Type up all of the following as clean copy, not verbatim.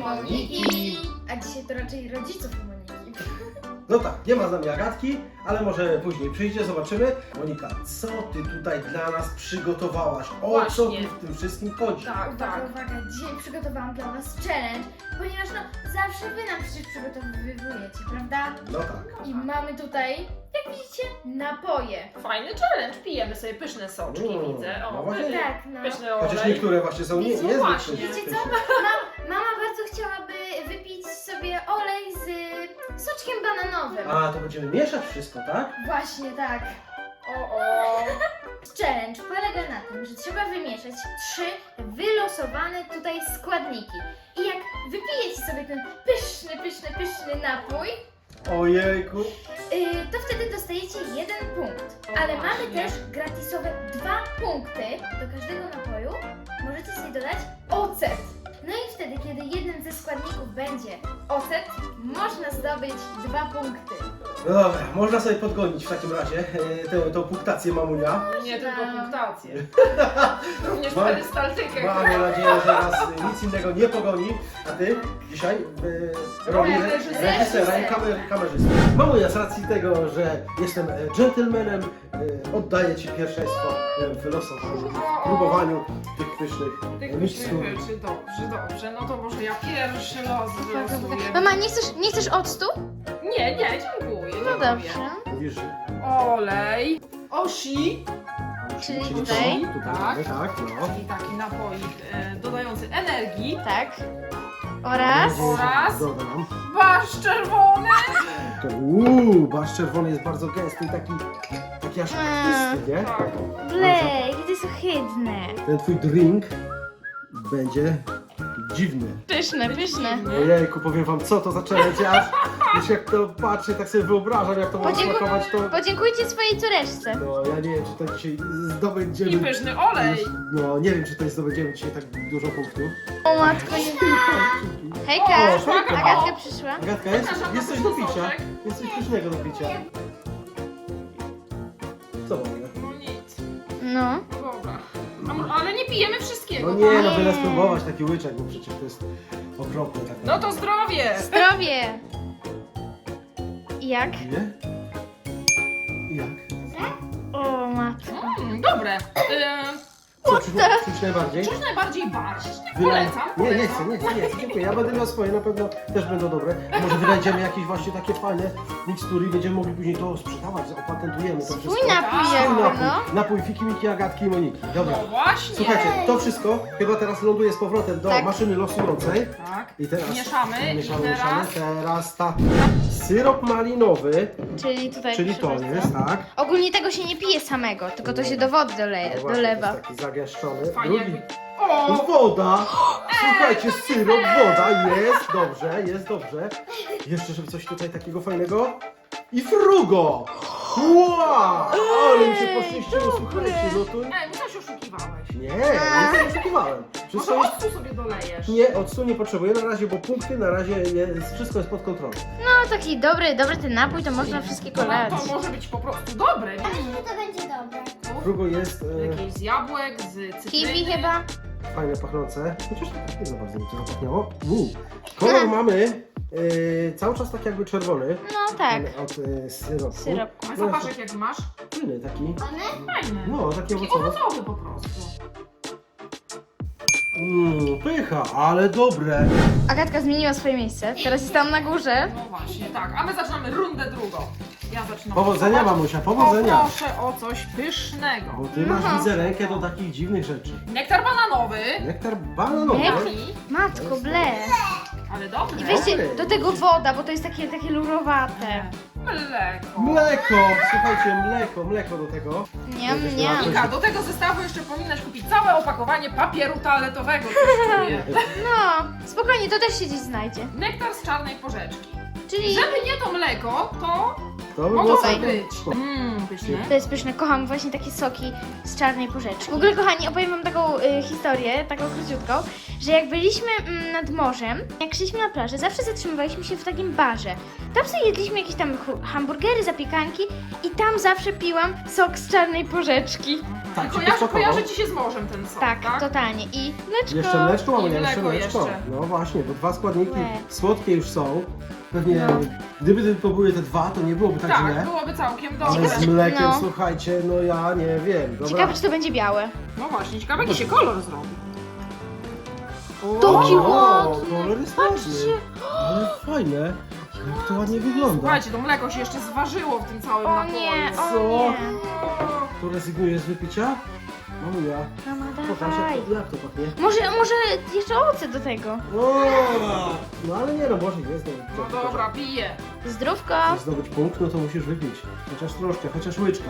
Moniki. A dzisiaj to raczej rodziców Moniki. No tak, nie ma z nami Agatki, ale może później przyjdzie, zobaczymy. Monika, co ty tutaj dla nas przygotowałaś? O co tu Właśnie. w tym wszystkim chodzi? Tak, tak. Uwaga, dzisiaj przygotowałam dla was challenge, ponieważ zawsze wy nam przecież przygotowujecie, prawda? No tak. I mamy tutaj, jak widzicie, napoje. Fajny challenge, pijemy sobie pyszne soczki, widzę. No O, właśnie. Tak, no. pyszny Chociaż olej. niektóre właśnie są Wiecie, niezbyt właśnie. pyszne. Wiecie co? Mama bardzo chciałaby wypić sobie olej z soczkiem bananowym. A, to będziemy mieszać wszystko, tak? Właśnie tak. O. Challenge polega na tym, że trzeba wymieszać 3 wylosowane tutaj składniki. I jak wypijecie sobie ten pyszny napój, Ojejku. to wtedy dostajecie 1 punkt. O, Ale mamy właśnie. też gratisowe 2 punkty. Do każdego napoju możecie sobie dodać ocet. No i wtedy, kiedy jeden ze składników będzie ocet, można zdobyć 2 punkty. No dobra, można sobie podgonić w takim razie tą punktację mamunia. Nie tylko punktację. Również Mam- perystaltykę. Mamy nadzieję, że nas nic innego nie pogoni. A ty dzisiaj roli Rolę reżysera. reżysera i kamerzysty. Mamunia, z racji tego, że jestem dżentelmenem, oddaję ci pierwszeństwo w losowaniu, w próbowaniu tych pysznych Tych mikstur. pysznych rzeczy, dobrze. No to może ja pierwszy los wylosuję. Mama, nie chcesz octu? Nie, dziękuję. No dziękuję. dobrze. Mówisz, Olej. Oshi. Czyli czyli tutaj? to? Tutaj Tak. mamy, tak, no. Czyli taki napoik dodający energii. Tak. Oraz? Mam nadzieję, że Oraz? dodam. Barszcz czerwony. Barszcz czerwony jest bardzo gęsty i taki aż krwisty, nie? Tak. Blej, to jest ohydne. Ten twój drink będzie dziwny. Pyszne. Ojejku, powiem wam, co to za challenge, aż już jak to patrzę, tak sobie wyobrażam, jak to ma smakować, to... Podziękujcie swojej córeczce. No, ja nie wiem, czy to dzisiaj zdobędziemy... I pyszny olej. No, nie wiem, czy to zdobędziemy dzisiaj tak dużo punktów. O matko, nie. O, Hejka, hejka. Agatka przyszła. Agatka, Zapraszam jest na coś do pyszny picia. soczek. Jest coś pysznego do picia. Co mamy? No nic. No. Dobra. Ale nie pijemy wszystkiego. No nie, tak? no byle spróbować taki łyczek, bo przecież to jest okropne. Tak No to zdrowie. Zdrowie. I jak? Nie? Jak? O matko. Dobre. Co czuć najbardziej? Czuć najbardziej barszcz. Wylej- Polecam. Nie chcę, dziękuję. Ja będę miał swoje, na pewno też będą dobre. A może wynajdziemy jakieś właśnie takie fajne mikstury i będziemy mogli później to sprzedawać, opatentujemy to wszystko. Swój napój Swój jakby, napój. no. Napój Fiki, Miki, Agatki i Moniki. Dobra. No właśnie. Słuchajcie, to wszystko chyba teraz ląduje z powrotem do Tak. maszyny losującej. Tak. I teraz Mieszamy. I teraz... Teraz syrop malinowy, Czyli tutaj czyli to proszę jest, bardzo. tak. Ogólnie tego się nie pije samego, tylko to się do wody No właśnie, to dolewa. jest taki zagęszczony. Fajnie Drugi. jakby... O! Woda! Słuchajcie, syrop, woda, jest dobrze. Jeszcze, żeby coś tutaj takiego fajnego. I frugo! Wow! Ale mi się poszczęściło, słuchajcie, no to... Ej, musiałeś oszukiwałeś. Nie, nie oszukiwałem. Może Wszystko jest... octu sobie dolejesz. Nie, octu nie potrzebuję na razie, bo punkty na razie wszystko jest pod kontrolą. No taki dobry ten napój, to można wszystkiego lać. To może być po prostu dobre. To będzie dobre. Frugo jest Jakieś z jabłek, z cytryny. Kiwi chyba? fajne, pachnące. Chociaż nie za bardzo mi to zapachniało. Kolor mamy cały czas tak jakby czerwony. No tak. Od syropu. Syropku. A zapaszek jak masz? Płynny taki. Fajny. No, taki Taki owocowy. owocowy po prostu. Pycha, ale dobre. Agatka zmieniła swoje miejsce, teraz jest tam na górze. No właśnie, tak. A my zaczynamy rundę drugą. Ja zaczynam. Powodzenia, losować. mamusia, powodzenia. Poproszę o coś pysznego. Bo ty masz, widzę, rękę do takich dziwnych rzeczy. Nektar bananowy. Nektar bananowy. Jaki? Matko, ble. Ale dobry. I weźcie do tego woda, bo to jest takie lurowate. Mleko. Mleko, słuchajcie, mleko do tego. Nie. Mika, do tego zestawu jeszcze powinnaś kupić całe opakowanie papieru toaletowego. Coś czuję. No, spokojnie, to też się gdzieś znajdzie. Nektar z czarnej porzeczki. Czyli Żeby nie to mleko, to To by mogło było tak całkiem być. spoko. Pyszne. to jest pyszne, kocham właśnie takie soki z czarnej porzeczki. W ogóle, kochani, opowiem wam taką historię, taką króciutką, że jak byliśmy nad morzem, jak szliśmy na plażę, zawsze zatrzymywaliśmy się w takim barze. Tam sobie jedliśmy jakieś tam hamburgery, zapiekanki i tam zawsze piłam sok z czarnej porzeczki. Tak, ci Kojarzy posmakował. ci się z morzem ten sok, Tak, tak? totalnie. I mleczko. Jeszcze mleczko mamy, I jeszcze mleko mleczko. jeszcze. No właśnie, bo 2 składniki Łe. słodkie już są. Pewnie, No. gdyby tylko były te 2, to nie byłoby tak Tak, źle. byłoby całkiem Ale dobre. z mlekiem, No. słuchajcie, no ja nie wiem. Dobra. Ciekawe, czy to będzie białe. No właśnie, ciekawe jaki się kolor zrobi. Taki O, ładny. kolor jest ładny. Ale fajne. Jak to ładnie wygląda. Słuchajcie, to mleko się jeszcze zważyło w tym całym O napoju. nie, Co? o nie. To rezygnujesz z wypicia? Mamuja, Mama, pokaż dawaj. jak to pachnie. Może jeszcze owoce do tego. O, no ale nie no, może jest. No dobra, piję. Zdrówko. Chcesz zdobyć punkt, no to musisz wypić. Chociaż troszkę, chociaż łyczka.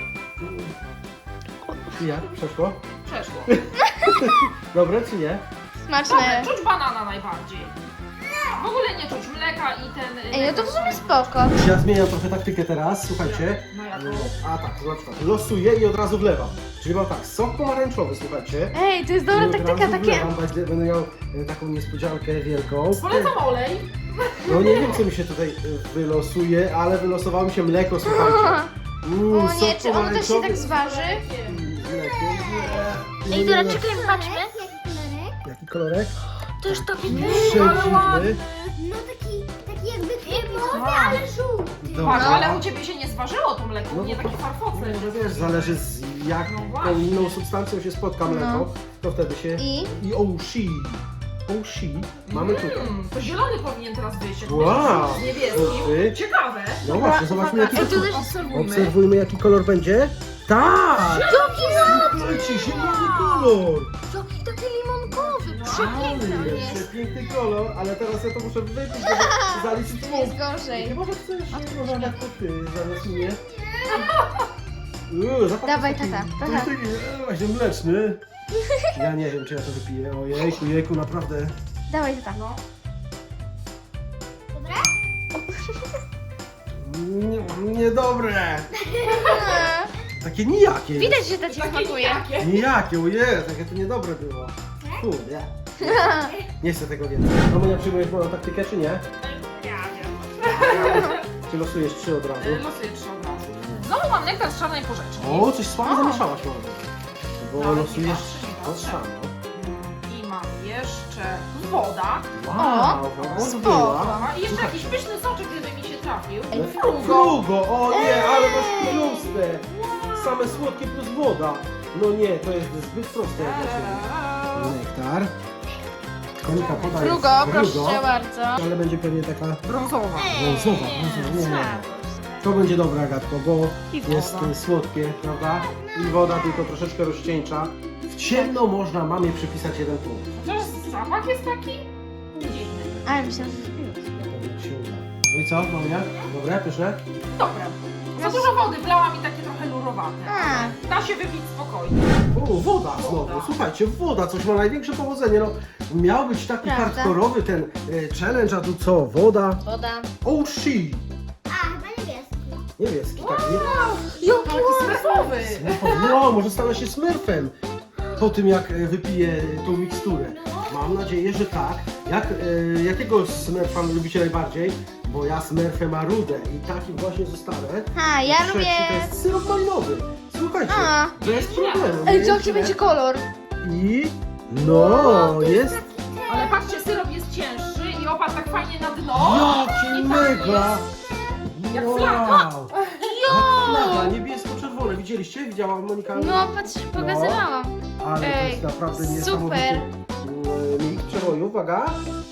I jak? Przeszło? Przeszło. Dobre czy nie? Dobre, Smaczne. czuć banana najbardziej. W ogóle nie czuć mleka i ten... Ej, no to w sumie spoko. Ja zmieniam trochę taktykę teraz, słuchajcie. No jaką? A tak, to na przykład losuję i od razu wlewam. Czyli mam tak, sok pomarańczowy, słuchajcie. Ej, to jest I dobra od taktyka, razu takie... wlewam, będę miał taką niespodziankę wielką. Polecam olej. No nie wiem co mi się tutaj wylosuje, ale wylosowało mi się mleko, słuchajcie. O nie, sok czy ono też się pomarańczowy tak zważy? z mlekiem. Nie. Ej, dobra, czekaj, patrzmy. Jaki kolorek? To już taki Przedziwny. No taki jakby kremowy, ale żółty. Patrz, Dobra. ale u ciebie się nie zważyło to mleko, No nie bo- takie farfocle. No wiesz, zależy z No jaką właśnie. inną substancją się spotka mleko, to wtedy się... I? I Oshi. Oshi mamy tutaj. To zielony powinien teraz wyjść, jak Wow. myślisz, z niebieskim. Ty? Ciekawe. No właśnie, zobaczmy jaki Ej, to... tu też... Obserwujmy. Obserwujmy jaki kolor będzie. Tak! Słuchajcie, zielony kolor! Taki limonkowy, No, przepiękny on jest. Przepiękny kolor, ale teraz ja to muszę wypić, żeby zaliczyć punkt. Jest gorzej. Może chcesz, może jak to ty zamiast mnie? Zapach Dawaj, jest taki- tata, to tata. jest taki, właśnie mleczny. Ja nie wiem, czy ja to wypiję. Ojejku, jejku, naprawdę. Dawaj, tata. No. Niedobre. Takie nijakie. jest. Widać, że to ci smakuje. Jakie? Nijakie, ojej, takie to niedobre było. Kurde. Nie chcę tego więcej. Mamunia, przyjmujesz moją taktykę, czy nie? Ja wiem. Czy losujesz 3 od razu? Losuję 3 od razu. Znowu mam nektar z czarnej porzeczki. O, coś słabo O. zamieszałaś, mamo. Bo Nawet nie losujesz patrzę, nie to patrzę. samo. I mam jeszcze woda. Wow, woda spoko. była. I jeszcze Słuchaj, jakiś pyszny soczek, gdyby mi się trafił. Ej, Frugo! O nie, ale masz proste! Same słodkie plus woda. No nie, to jest zbyt proste jak dla ciebie. Nektar. Konika podaje Frugo, proszę bardzo. ale będzie pewnie taka Brązowa. brązowa. Nie. To będzie dobre, Agatko, bo I jest woda. słodkie, prawda? I woda tylko troszeczkę rozcieńcza. W ciemno można mamie przypisać 1 punkt. Chociaż zapach jest taki dziwny. Ale myślałam, że jest Na pewno ci się uda. No i co, mamia? Dobre, pyszne? Dobre. Za dużo wody wlałam i takie trochę lurowate. A. Da się wypić spokojnie. O, woda znowu. Woda. Słuchajcie, woda, coś ma największe powodzenie. No, miał być taki Prawda. hardkorowy ten challenge, a tu co? Woda. Woda. Oh she. A, chyba niebieski. Niebieski, tak, nie? Taki smurfowy. No, może stanę się smurfem po tym, jak wypiję tą miksturę. Mam nadzieję, że tak. Jakiego smurfa lubicie najbardziej? Bo ja smurfem marudę i takim właśnie zostanę. A, ja Trzeci lubię... to jest syrop malinowy. Słuchajcie, A. bez problemu. Ej, nie jaki jest będzie źle. kolor? I no, jest Ale patrzcie, syrop jest cięższy i opadł tak fajnie na dno. jaki I mega! Jak Wow! flaga. Jak flaga, niebiesko-czerwone. Widzieliście? Widziała Monika? No, patrz, pokazywałam. Ale to Ej, jest naprawdę super. niesamowity miks przeboju. Uwaga!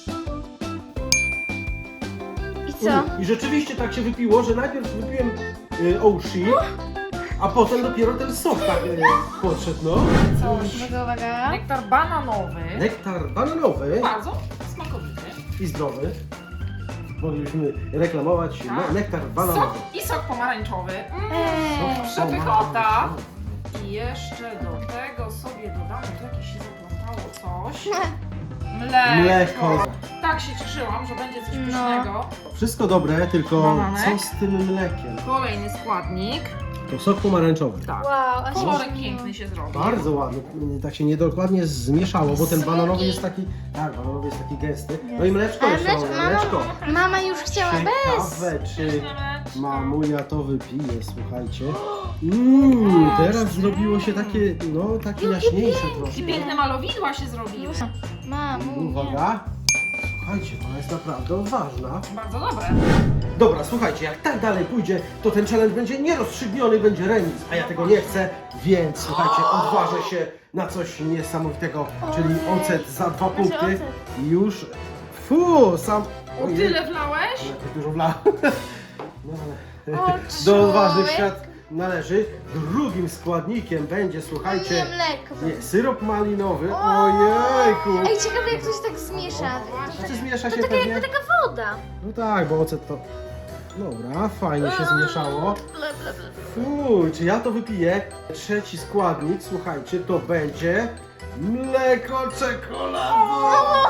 I co? I rzeczywiście tak się wypiło, że najpierw wypiłem Oshi, a potem dopiero ten sok tak podszedł, no. Coś. Uwaga. Nektar bananowy. Nektar bananowy Bardzo smakowity. i zdrowy. Moglibyśmy reklamować Tak. nektar bananowy. Sok i sok pomarańczowy. Eee. Przepychota. I jeszcze do tego sobie dodamy, tu jakieś się zaplątało coś. Mleko. Tak się cieszyłam, że będzie coś No. pysznego. Wszystko dobre, tylko Bananek. co z tym mlekiem? Kolejny składnik. To sok pomarańczowy. Tak. Wow, aż Kolorek piękny się zrobił. Bardzo ładny, tak się niedokładnie zmieszało, bo ten Słodki. bananowy jest taki, tak, bananowy jest taki gęsty. No i mleczko Ale jeszcze mamy, mleczko. mama już chciała bez. Ciekawe, czy mamunia to wypije, słuchajcie. Teraz zrobiło się takie, no takie jaśniejsze I troszkę. piękne malowidła się zrobiły. Mamu, Uwaga. Słuchajcie, ona jest naprawdę odważna. Bardzo dobre. Dobra, słuchajcie, jak tak dalej pójdzie, to ten challenge będzie nierozstrzygniony, będzie remis, a ja tego nie chcę, więc słuchajcie, odważę się na coś niesamowitego, czyli ocet za 2 punkty. ocet. I już, sam... O Ojej, tyle wlałeś? jak dużo wlałem. No, ale O, do odważnych człowiek. świat należy. Drugim składnikiem będzie, nie słuchajcie, mleko. nie, syrop malinowy. Ojejku! Ej, ciekawe jak coś tak zmiesza. Znaczy zmiesza się To taka pewnie. jakby taka woda. No tak, bo ocet to... Dobra, fajnie się zmieszało. Ble, ble, ble. Fuj, czy ja to wypiję? Trzeci składnik, słuchajcie, to będzie mleko czekoladowe.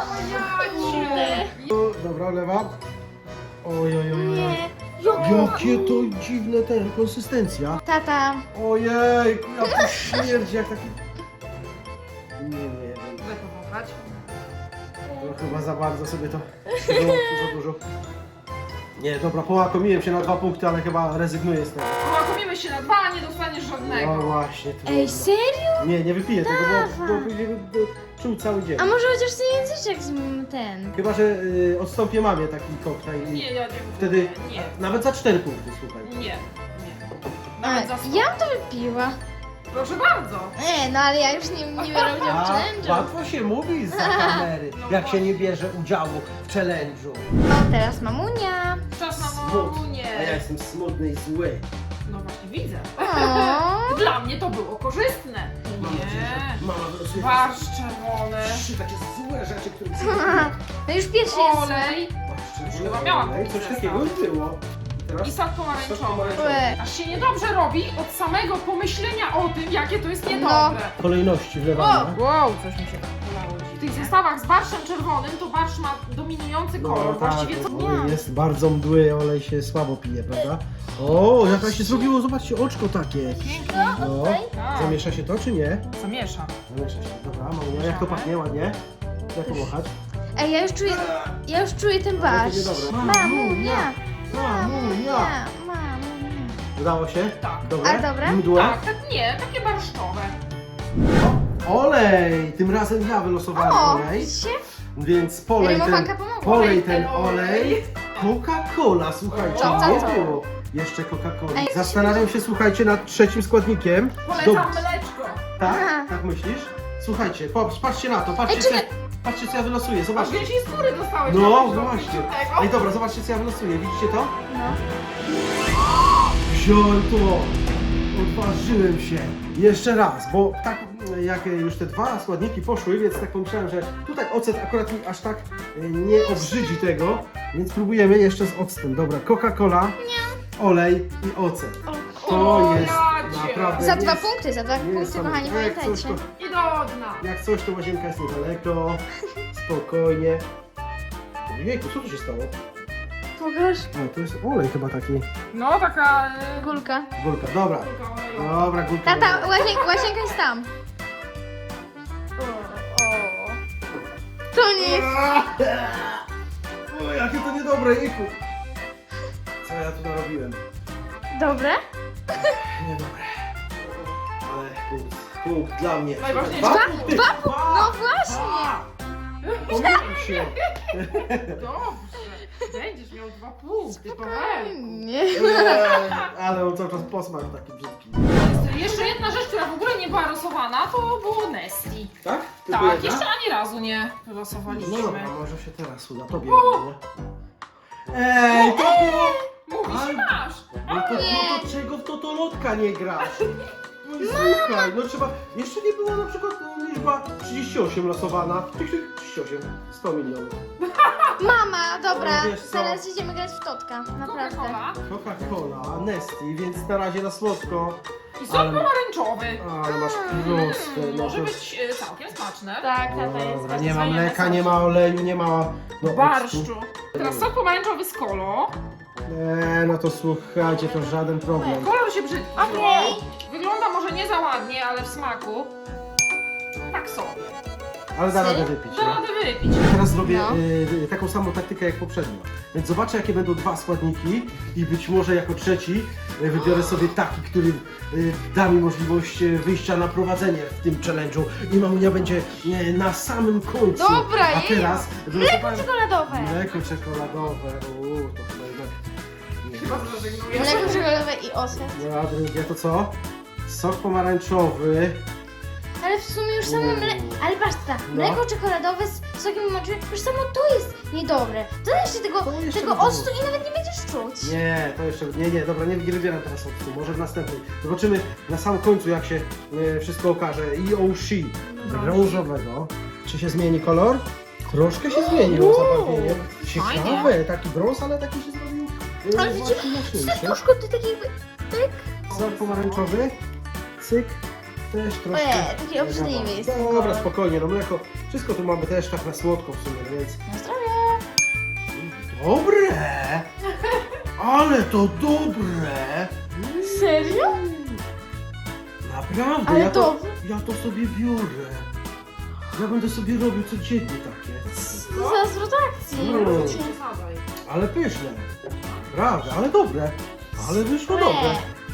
Dobra, olewam. Oj, oj, oj, oj. Nie. Jakie to dziwne konsystencja. Tata. Ojejku, jak to śmierdzi, jak taki... Nie wiem, Daj powąchać. to chyba za bardzo sobie to... Za dużo. Nie, dobra, połakomiłem się na 2 punkty, ale chyba rezygnuję z tego. Połakomimy się na 2, a nie dostaniesz No żadnego. właśnie, to Ej, serio? nie wypiję tego, bo później bym czuł cały dzień. A może chociaż ten języczek z ten. Chyba, że odstąpię mamie taki koktajl i Nie, ja nie. wtedy Nie. nawet za 4 punkty, słuchaj. Nie. A, Nawet za 100. ja bym to wypiła. Proszę bardzo. No ale ja już nie biorę udziału w challenge'u. łatwo się mówi za kamery, No jak się właśnie. nie bierze udziału w challenge'u. O, teraz mamunia. Czas na Smut. A ja mamunie. jestem smutny i zły. No właśnie widzę. O. Dla mnie to było korzystne. Mam nadzieję, Nie. że mama wylosuje Barszcz czerwony. 3 takie złe rzeczy, które No już pierwszy jest. Olej. Barszcz Chyba miałam czerwony. Coś zestaw. takiego już było. I teraz I sok pomarańczowy. Łe. Aż się niedobrze robi od samego pomyślenia o tym, jakie to jest niedobre. kolejności wlewania. Wow, coś mi się polało. W tych zestawach z barszczem czerwonym to barszcz ma dominujący kolor. Właściwie co... olej jest bardzo mdły, olej się słabo pije, prawda? O, jaka się zrobiło, zobaczcie, oczko takie. No, Tak. zamiesza się to czy nie? Zamieszam. Zamiesza się, dobra, mamunia, jak to pachnie ładnie? Jak pomachać? Ej, ja już czuję ten Ale to barszcz. niedobre. Mamunia. Mamunia! Mamunia. Udało się? Tak. Dobre? A dobre? Mdłe? Tak, nie, takie barszczowe. O, olej! Tym razem ja wylosowałem O, olej, widzicie? więc polej Rymowanka ten, pomogła. polej ten Ten olej. olej. Coca-Cola, słuchajcie, Co? nie Co? było jeszcze Coca-Coli. Ej, Zastanawiam się, słuchajcie, nad trzecim składnikiem. Polecam Dob- mleczko. Tak? Aha. Tak myślisz? Słuchajcie, patrzcie na to, Ej, patrzcie, czekaj. patrzcie co ja wylosuję, Aż zobaczcie. gdzieś z góry dostałeś. No jakiegoś właśnie. żółtego. Ej, dobra, zobaczcie co ja wylosuję, widzicie to? No. Wziąłem to! Odważyłem się! Jeszcze raz, bo tak jak już te 2 składniki poszły, więc tak pomyślałem, że tutaj ocet akurat mi aż tak nie obrzydzi tego, więc próbujemy jeszcze z octem. Dobra, Coca-Cola, olej i ocet. To jest jacie. naprawdę... Za 2 nies- punkty, za 2 punkty, niesamowite. kochani, Jak coś pamiętajcie. to- I do dna. Jak coś, to łazienka jest niedaleko, spokojnie. Jejku, co tu się stało? Pokaż. O, to jest olej chyba taki. No, taka... Gulka. Górka, dobra. Dobra, górka. Tata, dobra. łazienka jest tam. To nie jest... O, jakie to niedobre, jejku. Co ja tu narobiłem? Dobre? Niedobre. Ale punkt dla mnie. Najważniejsze. punkty. No właśnie. Pomyliłem się. Dobrze. Będziesz miał 2 punkty, Paweł. Nie. Ale on cały czas posmak taki brzydki. Jeszcze jedna rzecz, która w ogóle nie była losowana, to było Nestle. Tak? Tylko Tak, jedna? jeszcze ani razu nie No wylosowaliśmy. dobra, może się teraz uda. Tobie będzie. Ej, to było... Mówisz, Ale- masz. No to czego w totolotka nie grasz? No i słuchaj, no trzeba... Jeszcze nie była na przykład liczba 38 losowana. 38, 100 milionów. Mama, dobra, No wiesz co? teraz idziemy grać w totka, naprawdę. Coca-Cola Coca-Cola, Nestle, więc na razie na słodko. i sok Ale- pomarańczowy. Ale masz proste, no Może to... być całkiem smaczne. Tak, tata jest. Dobra, nie ma mleka, nie ma oleju, nie ma... No, octu. Barszczu. Teraz sok pomarańczowy z kolą. No to słuchajcie, to żaden problem. Kolor się brzydki. Okej. Wygląda może nie za ładnie, ale w smaku tak sobie. ale da radę Serio? wypić. Da No. radę wypić. Ja teraz zrobię No. taką samą taktykę jak poprzednio. Więc zobaczę, jakie będą dwa składniki i być może jako trzeci wybiorę sobie taki, który da mi możliwość wyjścia na prowadzenie w tym challenge'u i mamunia będzie na samym końcu. Dobra, a teraz Mleko czekoladowe. Mleko czekoladowe. To chyba jednak nie. Chyba zrezygnujesz. Mleko czekoladowe i ocet. No, a drugie to co? Sok pomarańczowy. Ale w sumie już samo mleko. Ale patrz, mleko czekoladowe z sokiem moczowym, już samo to jest niedobre. To jeszcze To jeszcze tego by było. octu i nawet nie będziesz czuć. Nie, to jeszcze. Nie, dobra, nie wybieram teraz octu. Może w następnej. Zobaczymy na samym końcu, jak się wszystko okaże. I Oshi brązowego. Czy się zmieni kolor? Troszkę się zmieniło zabarwienie. Ciekawe, Fajnie. taki brąz, ale taki się zrobił. Ale wiecie, właśnie jaśniejszy. Serduszko to takie jakby... Pyk. Sok pomarańczowy. Cyk. Też troszkę. taki obrzydliwy jest ten Dobra, kolor. spokojnie, no mleko. Wszystko tu mamy też tak na słodko w sumie, więc. Na zdrowie. Dobre! Ale to dobre! Serio? Naprawdę, Ale ja to sobie biorę. Ja będę sobie robił codziennie takie. Co za zwrot akcji. Mm. Nie zadaj. Ale pyszne. Prawda, ale dobre. Ale wyszło dobre.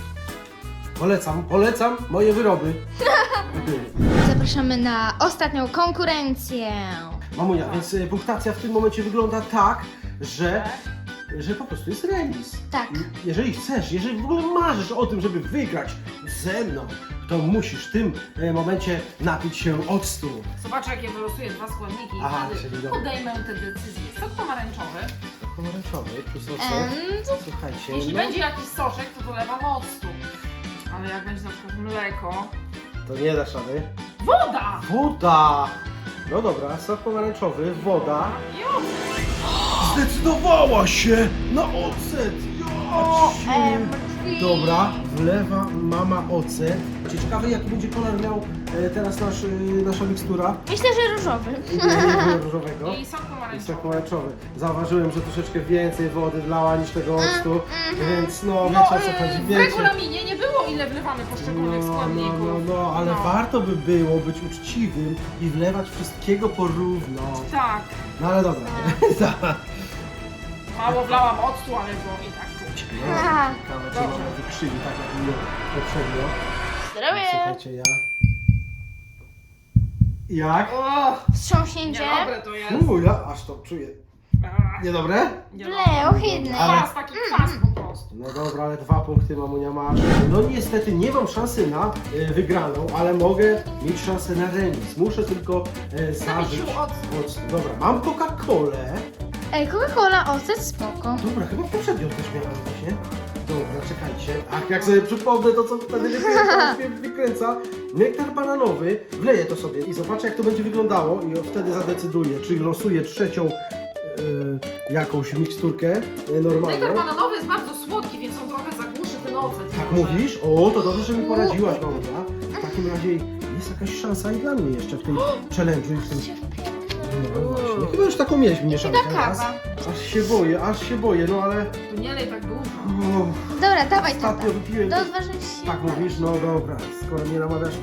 Polecam moje wyroby. Zapraszamy na ostatnią konkurencję. Mamunia, więc punktacja w tym momencie wygląda tak, że po prostu jest remis. Tak. Jeżeli chcesz, jeżeli w ogóle marzysz o tym, żeby wygrać ze mną, to musisz w tym momencie napić się octu. Zobaczę, jakie wylosuję dwa składniki Aha, i czyli wtedy dobra. podejmę te decyzje. Sok pomarańczowy. Pomarańczowy, plus ocet. Słuchajcie, Jeśli no, będzie jakiś soczek, to dolewam octu. Ale jak będzie na przykład mleko... to nie dasz rady. Woda! Woda! No dobra, sok pomarańczowy, woda. I ocet. Zdecydowała się na ocet! Dobra, wlewa mama ocet. Ciekawe, jaki będzie kolor miał teraz nasza mikstura. Myślę, że różowy. Różowego. I sok Jest pomarańczowy. tak pomarańczowy. Zauważyłem, że troszeczkę więcej wody wlała niż tego octu, więc no wiecie o co chodzi, w wiecie. regulaminie nie było, ile wlewamy poszczególnych składników. Ale No. warto by było być uczciwym i wlewać wszystkiego porówno. Tak. No ale dobra. Tak. Mało wlałam octu, ale było i tak czuć. No, Aha. ciekawe, czy może wykrzywi tak jak mnie poprzednio. Zdrowie. Słuchajcie, ja... Jak? O, Wstrząśnięcie. niedobre to jest. Ja aż to czuję. Niedobre? Ble, ohydne. Ale- Kwas, taki kwas po prostu. No dobra, ale 2 punkty mamunia masz. No niestety nie mam szansy na wygraną, ale mogę mieć szansę na remis. Muszę tylko zażyć się octu. octu. Dobra, mam Coca-Colę. Ej, Coca-Cola, ocet, spoko. Dobra, chyba poprzednio też miałem właśnie. Dobra, czekajcie. Ach, jak sobie przypomnę to, co wtedy mnie wykręca. Nektar bananowy, wleję to sobie i zobaczę, jak to będzie wyglądało i wtedy zadecyduję, czy losuję trzecią jakąś miksturkę normalną. Nektar bananowy jest bardzo słodki, więc on trochę zagłuszy ten ocet. Tak może. mówisz? O, to dobrze, że mi poradziłaś, mamunia. W takim razie jest jakaś szansa i dla mnie jeszcze w tym challenge'u i w tym... No właśnie, chyba już taką mieliśmy mieszankę Taka raz. kawa. Aż się boję, no ale... Tu nie lej tak dużo. O, Dobra, dawaj tata. ostatnio wypiłem... Do odważnych się. Tak mówisz? No dobra, skoro mnie namawiasz...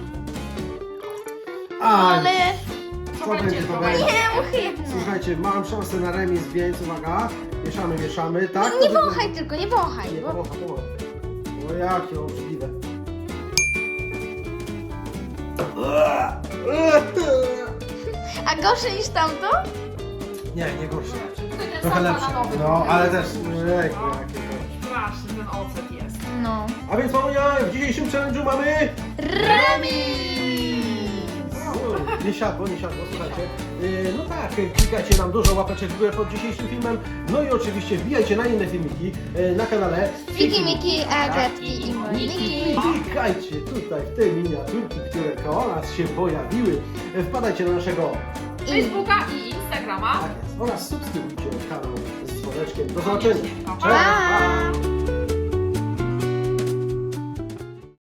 A, Ale... co będzie, to będzie. Nie, ohydne. Słuchajcie, mam szansę na remis, więc uwaga. Mieszamy, tak? Nie wąchaj tylko, nie wąchaj. Nie, Bo... połowa. O jakie obrzydliwe. A gorsze niż tamto? Nie gorsze. Tutaj ten Trochę sok lepsze. bananowy No, trochę ale jest. też... No, jakie. straszny ten ocet jest. No. A więc mamunia, w dzisiejszym challenge'u mamy... Remis! Nie siadło, słuchajcie. No tak, klikajcie nam dużo łapeczek w górę pod dzisiejszym filmem. No i oczywiście wbijajcie na inne filmiki na kanale Fiki, Miki, Agatki i Moniki. Klikajcie tutaj w te miniaturki, które koło nas się pojawiły. Wpadajcie na naszego Facebooka i Instagrama. oraz subskrybujcie kanał z dzwoneczkiem. Do zobaczenia. Pa, pa. Cześć!